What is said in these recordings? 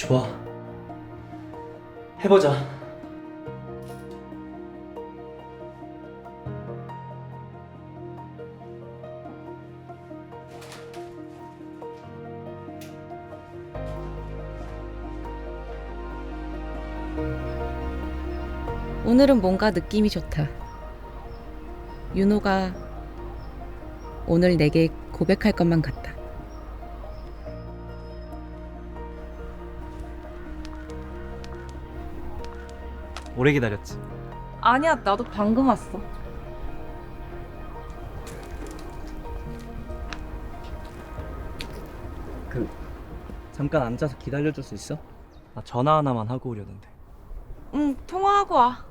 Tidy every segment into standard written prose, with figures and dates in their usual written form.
좋아. 해보자. 오늘은 뭔가 느낌이 좋다. 윤호가 오늘 내게 고백할 것만 같다. 오래 기다렸지. 아니야, 나도 방금 왔어. 잠깐 앉아서 기다려줄 수 있어? 나 전화 하나만 하고 오려는데. 응, 통화하고 와.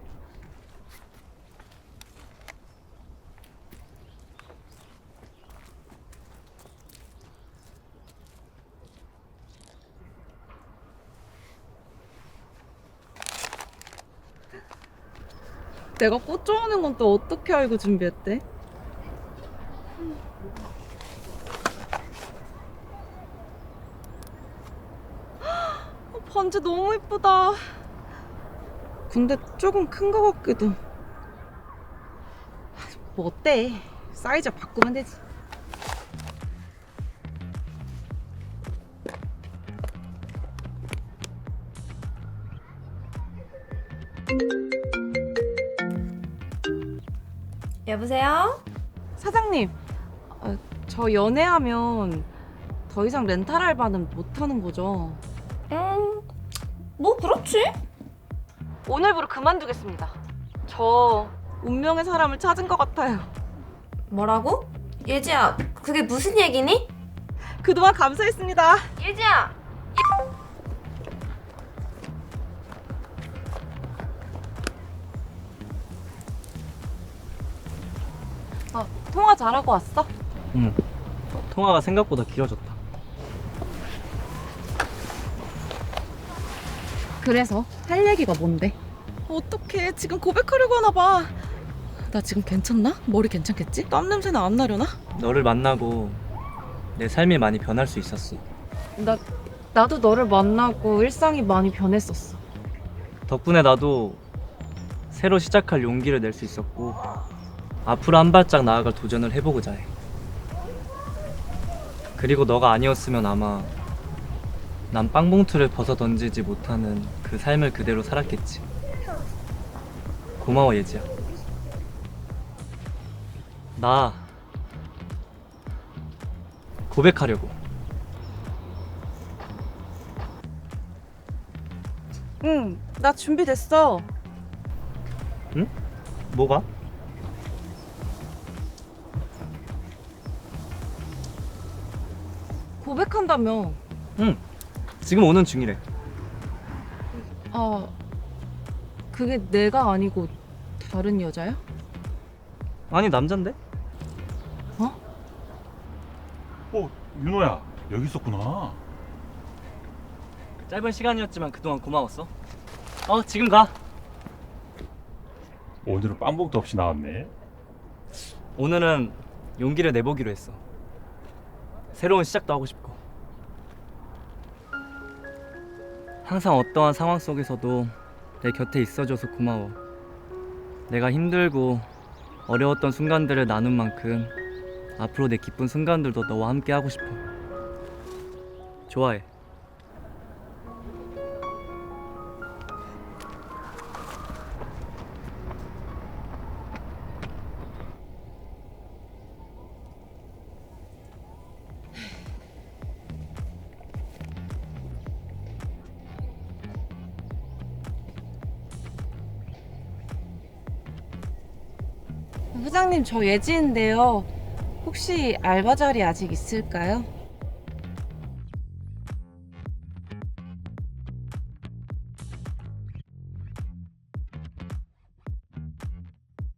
내가 꽃 좋아하는 건 또 어떻게 알고 준비했대? 반지 너무 예쁘다. 근데 조금 큰 거 같기도. 뭐 어때? 사이즈 바꾸면 되지. 여보세요? 사장님, 저 연애하면 더 이상 렌탈 알바는 못 하는 거죠? 뭐 그렇지? 오늘부로 그만두겠습니다. 저 운명의 사람을 찾은 것 같아요. 뭐라고? 예지야, 그게 무슨 얘기니? 그동안 감사했습니다. 예지야! 통화 잘하고 왔어? 응. 통화가 생각보다 길어졌다. 그래서 할 얘기가 뭔데? 어떡해, 지금 고백하려고 하나 봐. 나 지금 괜찮나? 머리 괜찮겠지? 땀 냄새는 안 나려나? 너를 만나고 내 삶이 많이 변할 수 있었어. 나도 너를 만나고 일상이 많이 변했었어. 덕분에 나도 새로 시작할 용기를 낼 수 있었고 앞으로 한 발짝 나아갈 도전을 해보고자 해. 그리고 너가 아니었으면 아마 난 빵봉투를 벗어 던지지 못하는 그 삶을 그대로 살았겠지. 고마워 예지야. 나 고백하려고. 응, 나 준비됐어. 응? 뭐가? 고백한다며. 응. 지금 오는 중이래. 아, 그게 내가 아니고 다른 여자야? 아니 남잔데? 윤호야, 여기 있었구나. 짧은 시간이었지만 그동안 고마웠어. 지금 가. 오늘은 빵봉도 없이 나왔네. 오늘은 용기를 내보기로 했어. 새로운 시작도 하고 싶고. 항상 어떠한 상황 속에서도 내 곁에 있어줘서 고마워. 내가 힘들고 어려웠던 순간들을 나눈 만큼 앞으로 내 기쁜 순간들도 너와 함께 하고 싶어. 좋아해. 부장님, 저 예지인데요. 혹시 알바 자리 아직 있을까요?